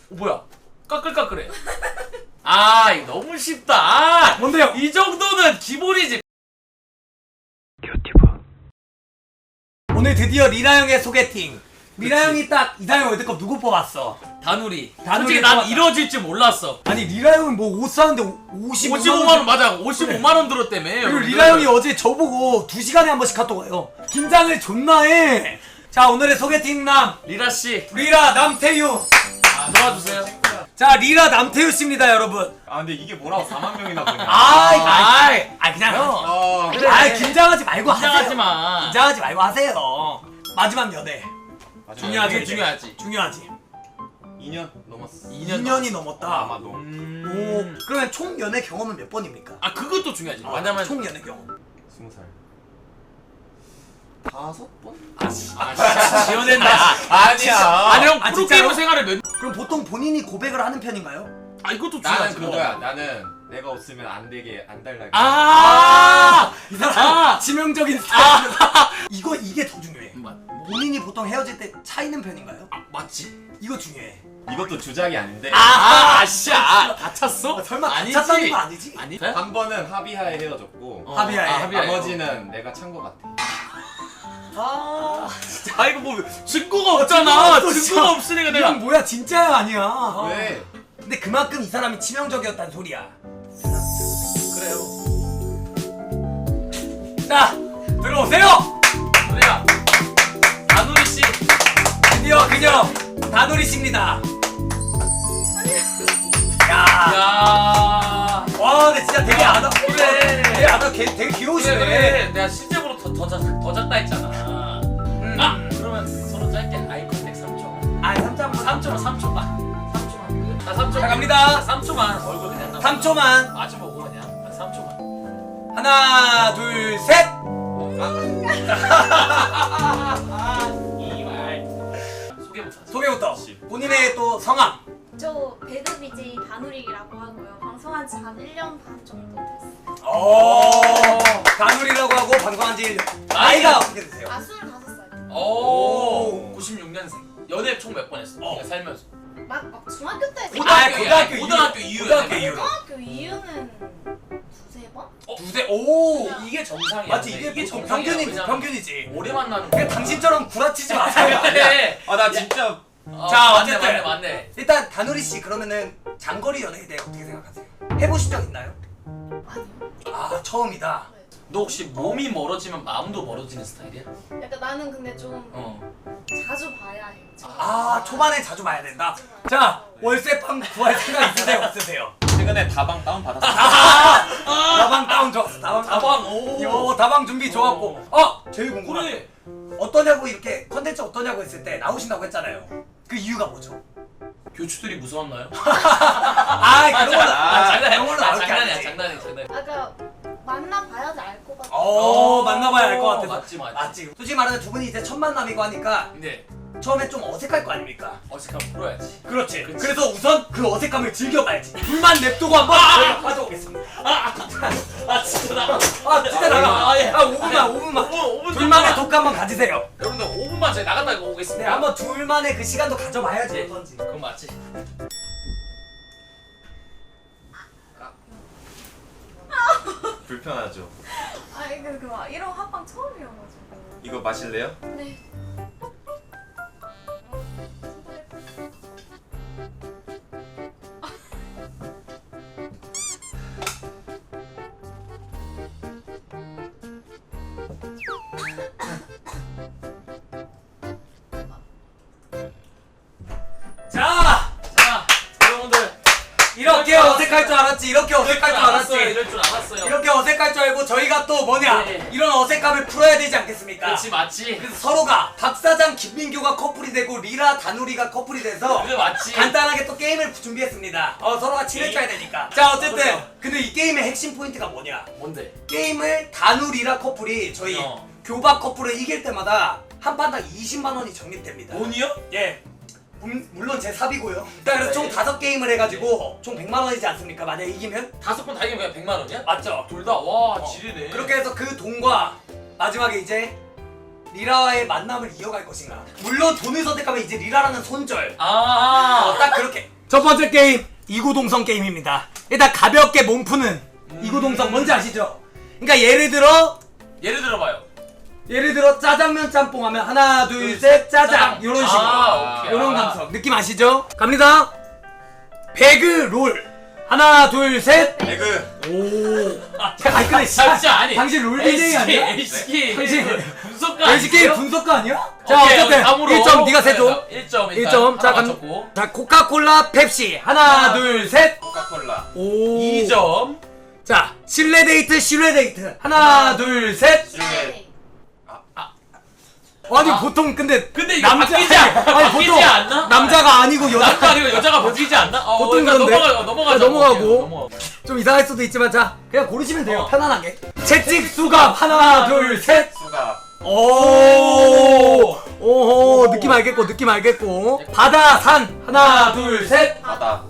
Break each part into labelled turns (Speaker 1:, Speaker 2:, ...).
Speaker 1: 뭐야? 까끌까끌해. 아, 이거 너무 쉽다. 아,
Speaker 2: 뭔데요?
Speaker 1: 이 정도는 기본이지.
Speaker 2: 오늘 드디어 리라 형의 소개팅. 리라 형이 딱 이상형 월드컵 누구 뽑았어?
Speaker 1: 다누리.
Speaker 2: 다누리
Speaker 1: 솔직히 난
Speaker 2: 뽑았다.
Speaker 1: 이뤄질 줄 몰랐어.
Speaker 2: 아니 리라 형은 뭐 옷 사는데 55만
Speaker 1: 55만원 맞아. 55만원 들었다며.
Speaker 2: 그리고 리라 형이 어제 저보고 2시간에 한 번씩 카톡 와요. 긴장을 존나 해. 자, 오늘의 소개팅남
Speaker 1: 리라씨.
Speaker 2: 리라 남태유.
Speaker 1: 도와주세요.
Speaker 2: 자, 리라 남태유 씨입니다, 여러분.
Speaker 3: 아 근데 이게 뭐라고 4만 명이나 보냐?
Speaker 2: 그냥
Speaker 3: 어.
Speaker 1: 그래.
Speaker 2: 긴장하지 말고
Speaker 1: 긴장하지
Speaker 2: 하세요.
Speaker 1: 마.
Speaker 2: 긴장하지 말고 하세요. 마지막 연애. 중요하지.
Speaker 1: 이게 중요하지.
Speaker 2: 중요하지.
Speaker 3: 2년 넘었어.
Speaker 2: 2년이 넘었다.
Speaker 3: 아마도.
Speaker 2: 오, 그러면 총 연애 경험은 몇 번입니까?
Speaker 1: 아, 그것도 중요하지. 왜냐면
Speaker 2: 총 연애 경험.
Speaker 3: 20살. 5번?
Speaker 1: 지어낸다.
Speaker 3: 아니야.
Speaker 1: 아니 형
Speaker 2: 아,
Speaker 1: 프로게이머
Speaker 2: 진짜요?
Speaker 1: 생활을 몇?
Speaker 2: 그럼 보통 본인이 고백을 하는 편인가요?
Speaker 1: 아, 이것도
Speaker 3: 나는
Speaker 1: 중요하지.
Speaker 3: 그거야. 나는 내가 없으면 안 되게 안 달라게.
Speaker 2: 이 사람 치명적인 스타일. 이게 더 중요해. 본인이 보통 헤어질 때 차이는 편인가요?
Speaker 1: 맞지.
Speaker 2: 이거 중요해.
Speaker 3: 이것도 주작이 아닌데
Speaker 1: 아씨야. 다쳤어?
Speaker 2: 설마
Speaker 1: 아니지.
Speaker 2: 다쳤다는 거 아니지?
Speaker 1: 아니?
Speaker 3: 한 번은 합의하에 헤어졌고
Speaker 2: 합의하에.
Speaker 1: 합의하에.
Speaker 3: 나머지는 내가 찬 거 같아.
Speaker 1: 아, 이거 뭐 증거가 없잖아.
Speaker 2: 증거가
Speaker 1: 증거가 없으니까 내가.
Speaker 2: 이건 뭐야, 진짜야 아니야?
Speaker 3: 왜?
Speaker 2: 근데 그만큼 이 사람이 치명적이었단 소리야.
Speaker 1: 그래요.
Speaker 2: 자, 들어오세요.
Speaker 1: 우리야. 다누리 씨.
Speaker 2: 드디어 그녀 다누리 씨입니다. 야,
Speaker 1: 야.
Speaker 2: 와, 근데 진짜 되게 아다.
Speaker 1: 그래.
Speaker 2: 되게 귀여우시네.
Speaker 1: 그래. 내가 실제로 더 작다 했잖아. 아, 그러면 서로 짧게 아이 컨택 3초.
Speaker 2: 아, 3초만.
Speaker 1: 3초만. 나 3초.
Speaker 2: 자, 갑니다.
Speaker 1: 3초만. 얼굴 그냥.
Speaker 2: 3초만.
Speaker 1: 마주보고 그냥. 3초만.
Speaker 2: 하나, 둘, 셋.
Speaker 1: 이말. 소개부터. 하자.
Speaker 2: 소개부터. 본인의 또 성함.
Speaker 4: 저 배드 BJ 다누리라고 하고요. 방송한 지 한 1년 반 정도 됐어요.
Speaker 2: 오, 다누리라고 하고 방송한 지 1년. 나이가 어떻게 되세요?
Speaker 4: 아, 25살.
Speaker 1: 오. 96년생. 연애 총 몇 번 했어? 내가 살면서.
Speaker 4: 막 중학교 때
Speaker 1: 고등학교 이후에.
Speaker 2: 고등학교 이후로.
Speaker 4: 고등학교 이후는 두세 번?
Speaker 2: 두세. 오.
Speaker 1: 이게 정상이야.
Speaker 2: 맞지,
Speaker 1: 근데
Speaker 2: 이게
Speaker 1: 정상이야.
Speaker 2: 평균이지.
Speaker 1: 왜냐면
Speaker 2: 평균이지.
Speaker 1: 오래 만나는
Speaker 2: 그냥
Speaker 1: 거야.
Speaker 2: 당신처럼 구라치지 마세요.
Speaker 1: 그래.
Speaker 3: 아 나 진짜
Speaker 2: 자,
Speaker 1: 맞네,
Speaker 2: 어쨌든.
Speaker 1: 맞네.
Speaker 2: 일단 다누리 씨, 그러면은 장거리 연애에 대해 어떻게 생각하세요? 해보신 적 있나요?
Speaker 4: 아니요.
Speaker 2: 아, 처음이다.
Speaker 1: 너 혹시 몸이 멀어지면 마음도 멀어지는 스타일이야?
Speaker 4: 약간 나는 근데 좀 자주 봐야 해.
Speaker 2: 아, 초반에 자주 봐야 된다. 자, 월세방 구할 생각 있으세요? 없으세요?
Speaker 3: 최근에 다방 다운 받았어.
Speaker 2: 다방 다운 좋았어.
Speaker 1: 다방, 오.
Speaker 2: 요 다방 준비 좋았고. 제일 궁금한
Speaker 1: 그래.
Speaker 2: 어떠냐고, 이렇게 컨텐츠 어떠냐고 했을 때 나오신다고 했잖아요. 그 이유가 뭐죠?
Speaker 1: 교추들이 무서웠나요?
Speaker 2: 그런 걸로
Speaker 1: 장난이야.
Speaker 2: 그런 걸로 나올 게
Speaker 1: 장난이야.
Speaker 2: 아니지.
Speaker 1: 장난이야.
Speaker 4: 아까 만나봐야지 알 것 같아.
Speaker 2: 만나봐야 알 것 같아서.
Speaker 1: 맞지.
Speaker 2: 맞지. 솔직히 말하면 두 분이 이제 첫 만남이고 하니까
Speaker 1: 근데
Speaker 2: 처음에 좀 어색할 거 아닙니까?
Speaker 1: 어색하면 풀어야지.
Speaker 2: 그렇지.
Speaker 1: 그치.
Speaker 2: 그래서 우선 그 어색함을 즐겨봐야지. 불만 냅두고 한번 저희가 가져오겠습니다.
Speaker 1: 진짜 나.
Speaker 2: 진짜 나가.
Speaker 1: 예.
Speaker 2: 5분만.
Speaker 1: 5분
Speaker 2: 둘만의 독 한번 가지세요.
Speaker 1: 여러분들 5분만 저희 나갔다 오겠습니다.
Speaker 2: 네, 한번 둘만의 그 시간도 가져봐야지.
Speaker 1: 네.
Speaker 2: 어떤지.
Speaker 1: 그건 맞지.
Speaker 3: 불편하죠.
Speaker 4: 아니 막 이런 합방 처음이어가지고.
Speaker 3: 이거 마실래요?
Speaker 4: 네.
Speaker 2: 자,
Speaker 1: 여러분들
Speaker 2: 이렇게 어색할 줄 알았지. 이렇게 어색할 줄 알았지.
Speaker 1: 이럴 줄 알았어요.
Speaker 2: 이렇게 어색할 줄 알고 저희가 또 뭐냐,
Speaker 1: 네.
Speaker 2: 이런 어색함을 풀어야 되지 않겠습니까?
Speaker 1: 그렇지, 맞지.
Speaker 2: 그래서 서로가 박사장 김민규가 커플이 되고 리라 다누리가 커플이 돼서
Speaker 1: 그래, 맞지.
Speaker 2: 간단하게 또 게임을 준비했습니다. 서로가 친해져야 되니까. 자, 어쨌든
Speaker 1: 그렇죠.
Speaker 2: 근데 이 게임의 핵심 포인트가 뭐냐,
Speaker 1: 뭔데?
Speaker 2: 게임을 다누리라 커플이 저희 교박 커플을 이길 때마다 한 판당 20만 원이 적립됩니다.
Speaker 1: 돈이요?
Speaker 2: 예. 물론 제 삽이고요. 그래서 총 5게임을 해가지고 총 100만 원이지 않습니까? 만약 이기면?
Speaker 1: 5번 다 이기면 그냥 100만 원이야?
Speaker 2: 맞죠?
Speaker 1: 둘 다? 와, 지리네.
Speaker 2: 그렇게 해서 그 돈과 마지막에 이제 리라와의 만남을 이어갈 것인가. 물론 돈을 선택하면 이제 리라라는 손절.
Speaker 1: 아,
Speaker 2: 딱 그렇게 첫 번째 게임 이구동성 게임입니다. 일단 가볍게 몸 푸는 이구동성 뭔지 아시죠? 그러니까 예를 들어 짜장면 짬뽕 하면 하나 둘 셋 짜장 요런 식으로
Speaker 1: 오케이.
Speaker 2: 요런 감성 느낌 아시죠? 갑니다. 배그 롤 하나 둘 셋.
Speaker 3: 배그.
Speaker 2: 오. 아니 근데
Speaker 1: 진짜 아니.
Speaker 2: 당신 롤 BJ 아니야?
Speaker 1: LCK
Speaker 2: 당신
Speaker 1: 분석가.
Speaker 2: LCK 분석가 아니야? 자
Speaker 1: 오케이,
Speaker 2: 어쨌든
Speaker 1: 다음으로.
Speaker 2: 1점 네가 세줘.
Speaker 1: 1점
Speaker 2: 1점. 자,
Speaker 1: 맞췄고.
Speaker 2: 자 코카콜라 펩시 하나 둘 셋.
Speaker 3: 코카콜라.
Speaker 2: 오.
Speaker 1: 2점.
Speaker 2: 자 실내 데이트 하나 둘 셋.
Speaker 4: 네.
Speaker 2: 아니 보통 근데
Speaker 1: 이거 바뀌지 않나?
Speaker 2: 남자가 아니고
Speaker 1: 남자가 아니고 여자가 바뀌지 않나?
Speaker 2: 보통 그런데.
Speaker 1: 넘어가자.
Speaker 2: 넘어가고. 좀 이상할 수도 있지만 자 그냥 고르시면 돼요. 편안하게. 채찍 수갑 하나 둘 셋.
Speaker 3: 수갑.
Speaker 2: 오호 느낌 알겠고 바다 산 하나 둘 셋.
Speaker 3: 바다.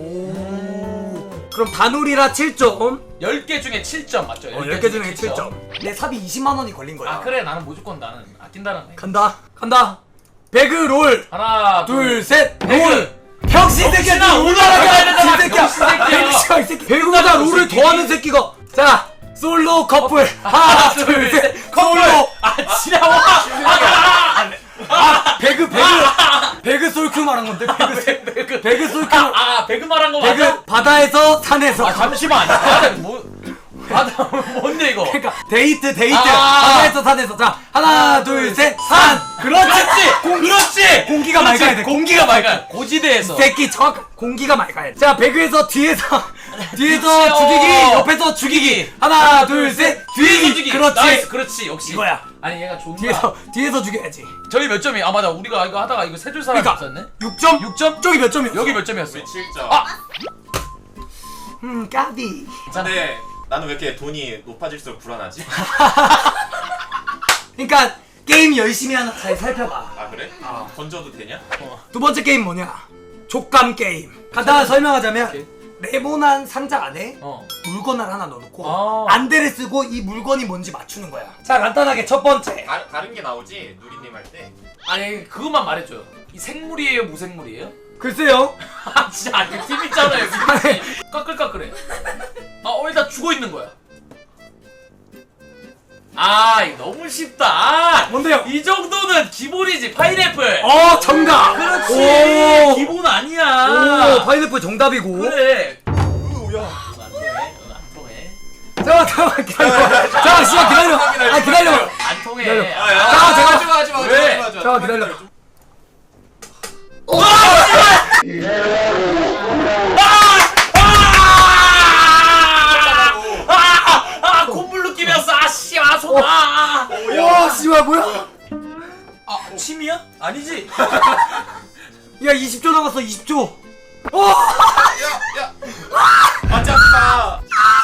Speaker 2: 그럼 다누리라 7점.
Speaker 1: 10개 중에 7점 맞죠?
Speaker 2: 10개 중에 7점. 내 삽이 20만원이 걸린 거야.
Speaker 1: 아 그래 나는 무조건 나는 아낀다는 거.
Speaker 2: 간다. 배그 롤
Speaker 1: 하나
Speaker 2: 둘 셋. 롤. 병신 새끼야.
Speaker 1: 병신아,
Speaker 2: 롤
Speaker 1: 오나라 가야 되잖아,
Speaker 2: 새끼야.
Speaker 1: 병신 새끼야.
Speaker 2: 병신아, 이 새끼. 배그보다 롤을 더하는 새끼가. 자 솔로 커플 하나 둘 셋. 솔로.
Speaker 1: 지나와.
Speaker 2: 배그 솔큐 말한 건데 배그 솔큐.
Speaker 1: 배그 말한 거 맞아?
Speaker 2: 배그 바다에서 산에서.
Speaker 1: 잠시만. 바다 뭔데 이거?
Speaker 2: 그러니까 데이트 바다에서 산에서. 자 하나 둘 셋 산.
Speaker 1: 그렇지.
Speaker 2: 공기가 맑아야 돼.
Speaker 1: 공기가 맑아. 고지대에서.
Speaker 2: 새끼 정확 공기가 맑아야 돼. 자 배그에서 뒤에서
Speaker 1: 그렇지요.
Speaker 2: 죽이기 옆에서 죽이기 하나 둘 셋 뒤지기. 그렇지.
Speaker 1: 나이스, 그렇지. 역시
Speaker 2: 이거야.
Speaker 1: 아니 얘가 좋은다.
Speaker 2: 뒤에서 죽여야지.
Speaker 1: 저희 몇 점이? 아 맞아. 우리가 이거 하다가 이거 세 줄 사람이
Speaker 2: 그러니까.
Speaker 1: 없었네.
Speaker 2: 6점?
Speaker 1: 6점?
Speaker 2: 저기 몇 점이었어?
Speaker 1: 여기 몇 점이었어?
Speaker 3: 우리 7점.
Speaker 1: 아!
Speaker 2: 까비.
Speaker 3: 근데 나는 왜 이렇게 돈이 높아질수록 불안하지?
Speaker 2: 그러니까 게임 열심히 하나 잘 살펴봐.
Speaker 3: 아 그래? 던져도 되냐?
Speaker 2: 두 번째 게임 뭐냐? 족감 게임. 간단하게 설명하자면
Speaker 1: 오케이.
Speaker 2: 네모난 상자 안에
Speaker 1: 어.
Speaker 2: 물건을 하나 넣어놓고
Speaker 1: 아.
Speaker 2: 안대를 쓰고 이 물건이 뭔지 맞추는 거야. 자 간단하게 첫 번째.
Speaker 3: 다른 게 나오지 누리님 할 때.
Speaker 1: 아니 그것만 말해줘요. 이 생물이에요, 무생물이에요?
Speaker 2: 글쎄요.
Speaker 1: 아 진짜 아니 팀 있잖아요. 까끌까끌해. 일단 죽어 있는 거야. 이거 너무 쉽다.
Speaker 2: 뭔데요?
Speaker 1: 이 정도는 기본이지. 파인애플.
Speaker 2: 정답.
Speaker 1: 그렇지.
Speaker 2: 오.
Speaker 1: 기본 아니야.
Speaker 2: 파인애플 정답이고.
Speaker 1: 그래.
Speaker 3: 뭐야?
Speaker 1: 안 통해.
Speaker 2: 잠깐만 기다려. 잠깐 시간 기다려. 기다려.
Speaker 1: 안 통해.
Speaker 2: 기다려.
Speaker 3: 하지마.
Speaker 1: 왜?
Speaker 2: 잠깐 기다려.
Speaker 1: 콧물 느낌이었어. 손.
Speaker 2: 와 씨발 뭐야?
Speaker 1: 침이야? 아니지.
Speaker 2: 야 20초 남았어 20초.
Speaker 3: 야. 맞았다.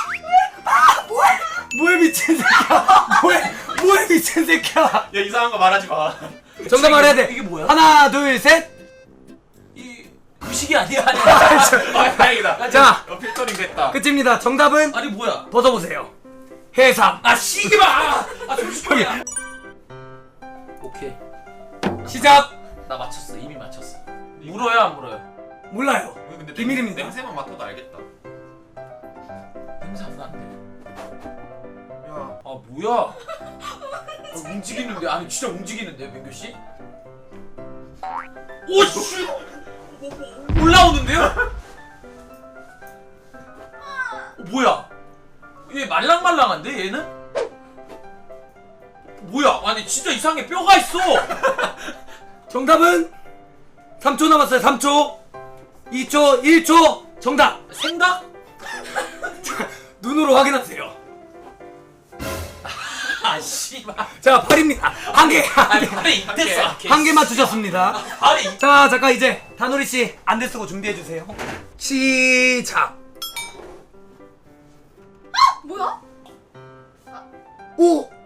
Speaker 2: 뭐해 미친 새끼야. 뭐해 미친 새끼야.
Speaker 3: 야 이상한 거 말하지 마.
Speaker 2: 정답 말해야 돼.
Speaker 1: 이게 뭐야?
Speaker 2: 하나 둘 셋.
Speaker 1: 이 의식이 아니야.
Speaker 3: 다행이다.
Speaker 2: 자
Speaker 3: 필터링 됐다.
Speaker 2: 끝입니다. 정답은
Speaker 1: 아니 뭐야?
Speaker 2: 벗어보세요. 해삼.
Speaker 1: 시기마. 잠시만요. 오케이.
Speaker 2: 시작.
Speaker 1: 나 맞췄어. 이미 맞췄어. 물어요, 안 물어요?
Speaker 2: 몰라요.
Speaker 3: 근데
Speaker 2: 비밀입니다.
Speaker 3: 냄새만 맡아도 알겠다.
Speaker 1: 냄새 안 나는데.
Speaker 3: 야.
Speaker 1: 뭐야? 움직이는데 아니 진짜 움직이는데 민규 씨? 오씨! 올라오는데요? 뭐야? 얘 말랑말랑한데 얘는? 뭐야? 아니 진짜 이상해. 뼈가 있어.
Speaker 2: 정답은 3초 남았어요. 3초 2초 1초 정답.
Speaker 1: 생각?
Speaker 2: 눈으로 확인하세요.
Speaker 1: 씨발.
Speaker 2: 자 팔입니다. 한 개.
Speaker 1: 아니 발이 이때어.
Speaker 2: 한 개 맞추셨습니다.
Speaker 1: 발이.
Speaker 2: 자 잠깐 이제 다누리 씨 안대 쓰고 준비해 주세요. 시작.
Speaker 4: 뭐야?
Speaker 2: 오.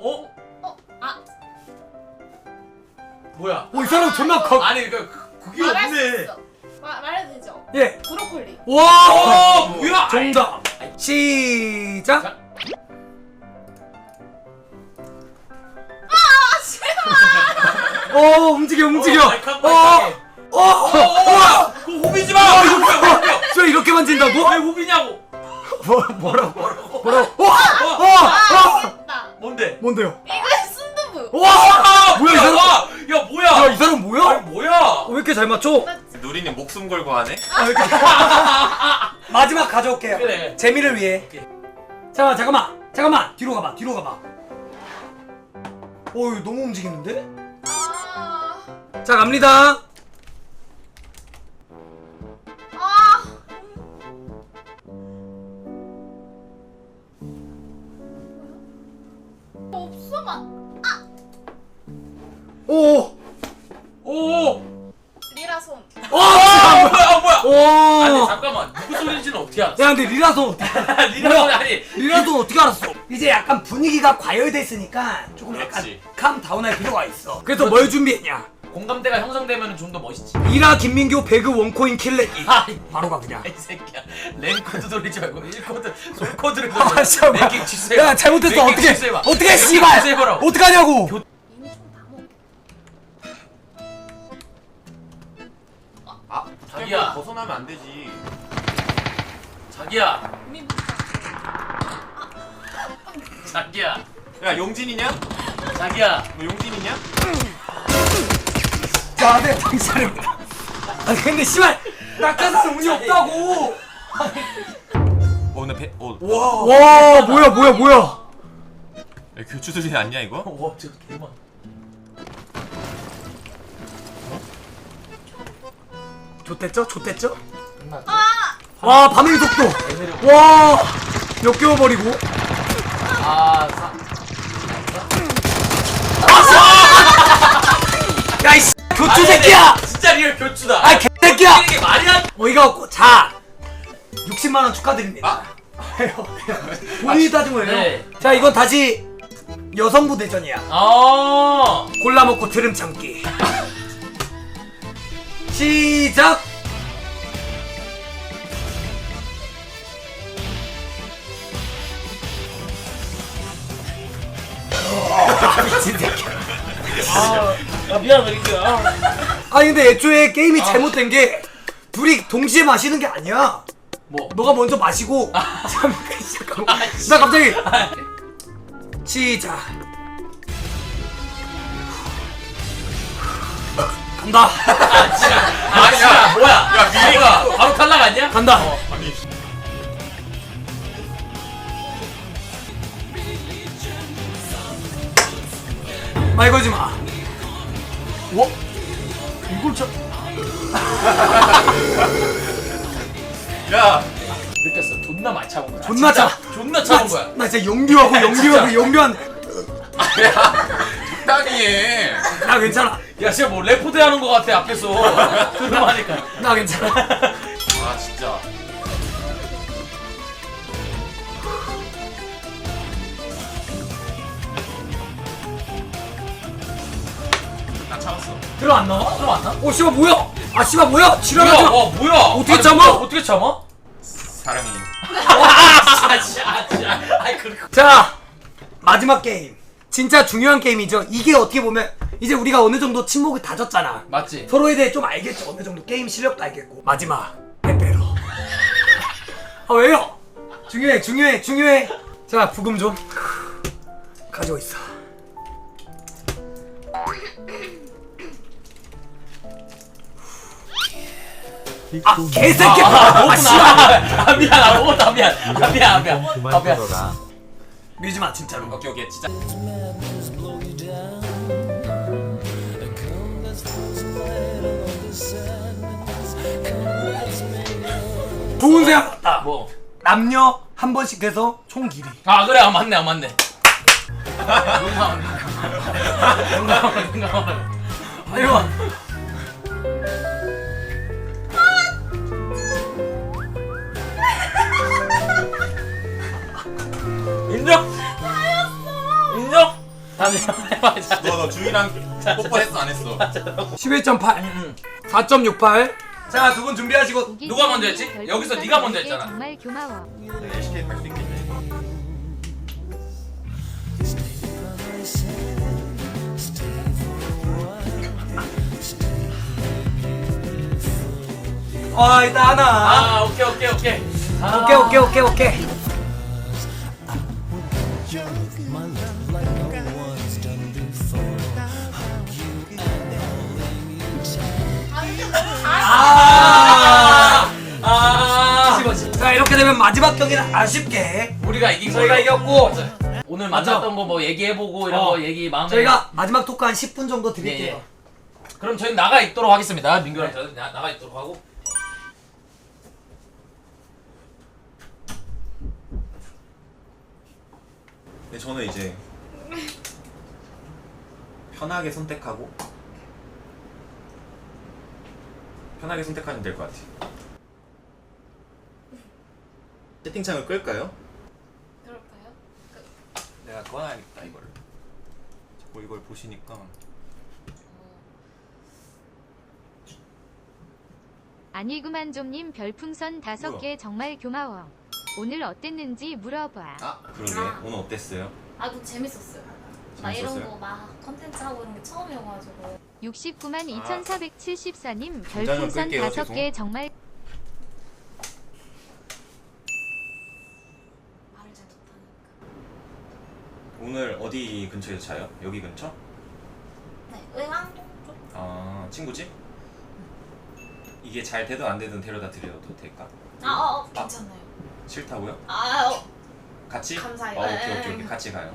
Speaker 1: 뭐야?
Speaker 2: 이 사람 존나 커.
Speaker 1: 아니 그게
Speaker 4: 말할 수
Speaker 1: 없네.
Speaker 4: 있어. 말해도 되죠?
Speaker 2: 예.
Speaker 4: 브로콜리.
Speaker 2: 와.
Speaker 1: 뭐야?
Speaker 2: 정답. 시작.
Speaker 1: 자.
Speaker 2: 움직여.
Speaker 1: 그거 호비지 마.
Speaker 2: 이렇게 만진다고?
Speaker 1: 왜 무비냐고.
Speaker 2: 뭐라고?
Speaker 4: 알겠다.
Speaker 1: 뭔데?
Speaker 2: 뭔데요?
Speaker 4: 이거 순두부.
Speaker 2: 와! 뭐야 이 사람?
Speaker 1: 야 뭐야?
Speaker 2: 야 이 사람 뭐야?
Speaker 1: 아니 뭐야?
Speaker 2: 왜 이렇게 잘 맞춰?
Speaker 3: 누리님 목숨 걸고 하네?
Speaker 2: 마지막 가져올게요.
Speaker 1: 그래.
Speaker 2: 재미를 위해. 자 잠깐만 뒤로 가봐. 어이 너무 움직이는데?
Speaker 4: 아.
Speaker 2: 자 갑니다.
Speaker 4: 아. 없어만.
Speaker 2: 오.
Speaker 1: 오.
Speaker 4: 리라손.
Speaker 1: 뭐야?
Speaker 2: 오.
Speaker 1: 아니 잠깐만 누구 소리인지는 어떻게 알았어?
Speaker 2: 야 근데 리라손 어떻게?
Speaker 1: 리라 소리 아니.
Speaker 2: 리라손 어떻게 알았어? 이제 약간 분위기가 과열됐으니까 조금 약간
Speaker 3: 그렇지.
Speaker 2: 캄 다운할 필요가 있어. 그래서 뭘 준비했냐?
Speaker 1: 공감대가 형성되면 좀 더 멋있지.
Speaker 2: 리라 김민교 배그 원코인 킬레기.
Speaker 1: 아이,
Speaker 2: 바로 가 그냥.
Speaker 1: 이 새끼야. 랜코드 돌리지 말고 1코드 솔코드를
Speaker 2: 아
Speaker 1: 돌려.
Speaker 2: 잠깐만.
Speaker 1: 랭킹 취소해봐.
Speaker 2: 야 잘못했어.
Speaker 1: 랭킹
Speaker 2: 어떻게?
Speaker 1: 취소해봐.
Speaker 2: 어떻게
Speaker 1: 랭킹
Speaker 2: 씨발?
Speaker 1: 취소해보라고.
Speaker 2: 어떡하냐고?
Speaker 4: 이미 좀다 먹.
Speaker 3: 아
Speaker 1: 자기야.
Speaker 3: 벗어나면 안 되지.
Speaker 1: 자기야.
Speaker 4: 이미
Speaker 1: 자기야.
Speaker 3: 야 용진이냐?
Speaker 1: 자기야.
Speaker 3: 너 용진이냐?
Speaker 2: 자, 네, 당신입니다. 아니 근데 씨발 낙하산 운이 없다고.
Speaker 3: 나 배.
Speaker 2: 와, 뭐야?
Speaker 3: 야, 교추들이 아니야 이거?
Speaker 1: 와, 저 개만.
Speaker 2: 좋댔죠?
Speaker 1: 끝났다.
Speaker 2: 와, 밤의 속도. 와, 역겨워버리고. 야, 이 교추 새끼야.
Speaker 1: 진짜 리얼 교추다.
Speaker 2: 아, 개새끼야.
Speaker 1: 이게 말이 안.
Speaker 2: 어이가 없고. 자, 60만 원 축하드립니다. 본인이 따진 거예요.
Speaker 1: 네.
Speaker 2: 자, 이건 다시 여성부 대전이야. 골라 먹고 트름 참기. 시작. 미친 새끼야.
Speaker 1: 미안해 이거야.
Speaker 2: 아니 근데 애초에 게임이 잘못된 게 둘이 동시에 마시는 게 아니야.
Speaker 1: 뭐?
Speaker 2: 너가 먼저 마시고 잠깐만. 나 갑자기 시작. 간다.
Speaker 1: 아니야. 뭐야? 야 미리가 바로 탈락 아니야?
Speaker 2: 간다.
Speaker 3: 아니.
Speaker 2: 말 걸지 마. 뭐? 이걸 참.
Speaker 3: 야.
Speaker 1: 느꼈어. 존나 많이 참은 거야.
Speaker 2: 존나
Speaker 1: 진짜
Speaker 2: 참.
Speaker 1: 존나 참은 거야.
Speaker 2: 나 진짜 연기하고
Speaker 3: 적당히 해.
Speaker 2: 나 괜찮아.
Speaker 1: 야 진짜 뭐 레포드 하는 거 같아 앞에서. 존나 하니까.
Speaker 2: 나 괜찮아.
Speaker 3: 아 진짜. 나 참았어.
Speaker 2: 들어 안 나와?
Speaker 1: 들어왔나?
Speaker 2: 오 씨발 뭐야? 아 씨발 뭐야?
Speaker 1: 뭐야?
Speaker 2: 지랄하지 마.
Speaker 1: 뭐야?
Speaker 2: 어떻게
Speaker 1: 아니,
Speaker 2: 참아?
Speaker 1: 뭐야? 어떻게 참아?
Speaker 3: 사랑해.
Speaker 1: 아이 그리고.
Speaker 2: 자 마지막 게임. 진짜 중요한 게임이죠. 이게 어떻게 보면 이제 우리가 어느 정도 침묵을 다졌잖아.
Speaker 1: 맞지?
Speaker 2: 서로에 대해 좀 알겠죠. 어느 정도 게임 실력도 알겠고. 마지막 빼빼로. 아 왜요? 중요해. 자 부금 좀 가지고 있어. 아 개새끼야. 아 씨발.
Speaker 1: 미안. 아 먹었다. 미안.
Speaker 2: 밀지 마 진짜로.
Speaker 3: 오케이 진짜.
Speaker 2: 좋은 생각 같다.
Speaker 1: 뭐?
Speaker 2: 남녀 한 번씩 해서 총 길이.
Speaker 1: 아 그래. 아 맞네. 용감하네.
Speaker 2: 아이고.
Speaker 1: 인정? 다시 해보자.
Speaker 3: 너 주희랑 뽀뽀했어 안 했어?
Speaker 2: 11.8 4.68. 자 두 분 준비하시고.
Speaker 1: 누가 먼저 했지? 여기서 네가 먼저 했잖아.
Speaker 5: 정말 고마워.
Speaker 3: LCK 할수 있겠네.
Speaker 2: 일단 하나.
Speaker 1: 아 오케이.
Speaker 2: 오케이. 자, 이렇게 되면 마지막 경기는 아쉽게
Speaker 1: 우리가 이긴
Speaker 2: 저희가
Speaker 1: 걸로.
Speaker 2: 이겼고,
Speaker 1: 맞아요. 오늘
Speaker 2: 맞아.
Speaker 1: 만났던 거 뭐 얘기해보고 이런
Speaker 2: 어.
Speaker 1: 거 얘기 마음에.
Speaker 2: 저희가 마지막 토크 한 10분 정도 드릴게요.
Speaker 1: 예. 그럼 저희는 나가 있도록 하겠습니다. 민규랑 저는 나가 있도록 하고.
Speaker 3: 근데 저는 이제 편하게 선택하고 편하게 선택하면 될 것 같아요. 채팅창을 끌까요?
Speaker 4: 그럴까요?
Speaker 3: 내가 꺼놔야겠다 이거를. 자꾸 이걸 보시니까.
Speaker 5: 아니구만 좀님 별풍선 5개 정말 고마워. 오늘 어땠는지 물어봐.
Speaker 3: 아 그러게.
Speaker 4: 아.
Speaker 3: 오늘 어땠어요?
Speaker 4: 아, 그 재밌었어요. 나 이런
Speaker 3: 재밌었어요?
Speaker 4: 거 막 컨텐츠 하고 이런 게 처음이어가지고.
Speaker 5: 69만
Speaker 3: 아.
Speaker 5: 2474님
Speaker 3: 굉장히
Speaker 5: 별풍선
Speaker 3: 끌게요,
Speaker 5: 5개 정말
Speaker 4: 말을 잘 못하니까.
Speaker 3: 오늘 어디 근처에서 자요? 여기 근처?
Speaker 4: 네, 의왕동 쪽.
Speaker 3: 아 친구집? 이게 잘 되든 안 되든 데려다 드려도 될까?
Speaker 4: 괜찮아요.
Speaker 3: 싫다고요? 같이?
Speaker 4: 감사해요.
Speaker 3: 오케이. 같이 가요.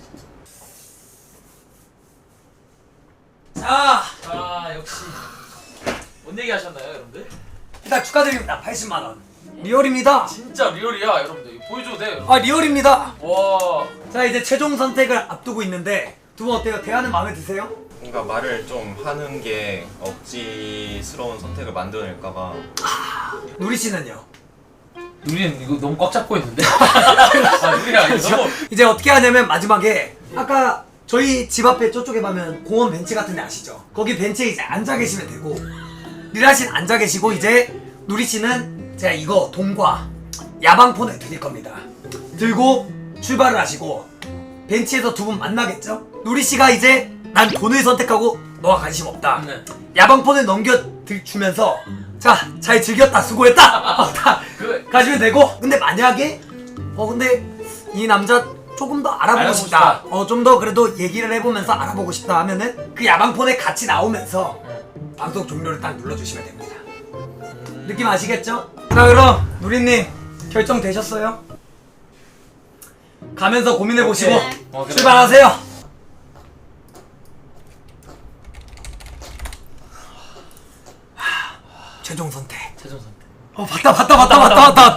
Speaker 2: 자,
Speaker 1: 역시. 뭔 얘기 하셨나요, 여러분들?
Speaker 2: 일단 축하드립니다. 80만 원. 리얼입니다.
Speaker 1: 진짜 리얼이야, 여러분들. 보여줘도 돼요.
Speaker 2: 리얼입니다.
Speaker 1: 와.
Speaker 2: 자, 이제 최종 선택을 앞두고 있는데 두 분 어때요? 대화는 마음에 드세요?
Speaker 3: 뭔가 말을 좀 하는 게 억지스러운 선택을 만들어낼까봐.
Speaker 2: 누리 씨는요?
Speaker 1: 우리는 이거 너무 꽉 잡고 있는데? 우리야 이거 너무.
Speaker 2: 이제 어떻게 하냐면 마지막에 아까 저희 집 앞에 저쪽에 가면 공원 벤치 같은 데 아시죠? 거기 벤치에 이제 앉아 계시면 되고 리라 씨는 앉아 계시고 이제 누리 씨는 제가 이거 돈과 야방폰을 드릴 겁니다. 들고 출발을 하시고 벤치에서 두 분 만나겠죠? 누리 씨가 이제 난 돈을 선택하고 너가 관심 없다.
Speaker 1: 네.
Speaker 2: 야방폰을 넘겨주면서 자, 잘 즐겼다, 수고했다. 다 가시면 되고. 근데 만약에 근데 이 남자 조금 더 알아보고 싶다. 좀 더 그래도 얘기를 해보면서 알아보고 싶다 하면은 그 야방폰에 같이 나오면서 방송 종료를 딱 눌러주시면 됩니다. 느낌 아시겠죠? 자, 그럼 누리님 결정되셨어요? 가면서 고민해보시고
Speaker 1: 그래.
Speaker 2: 출발하세요. 최종 선택.
Speaker 1: 최종 선택.
Speaker 2: 봤다.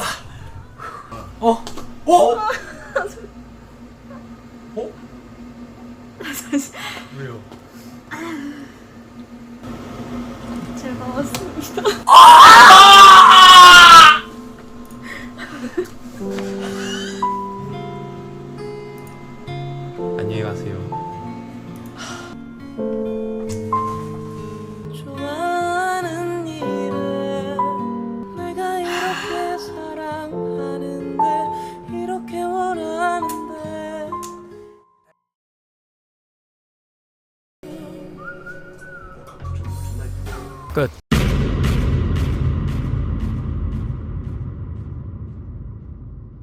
Speaker 1: 왜요?
Speaker 4: 즐거웠습니다.
Speaker 3: 안녕히 가세요.
Speaker 6: 좋아하는 일을 내가 이렇게 사랑하는데 이렇게 원하는데
Speaker 2: 끝.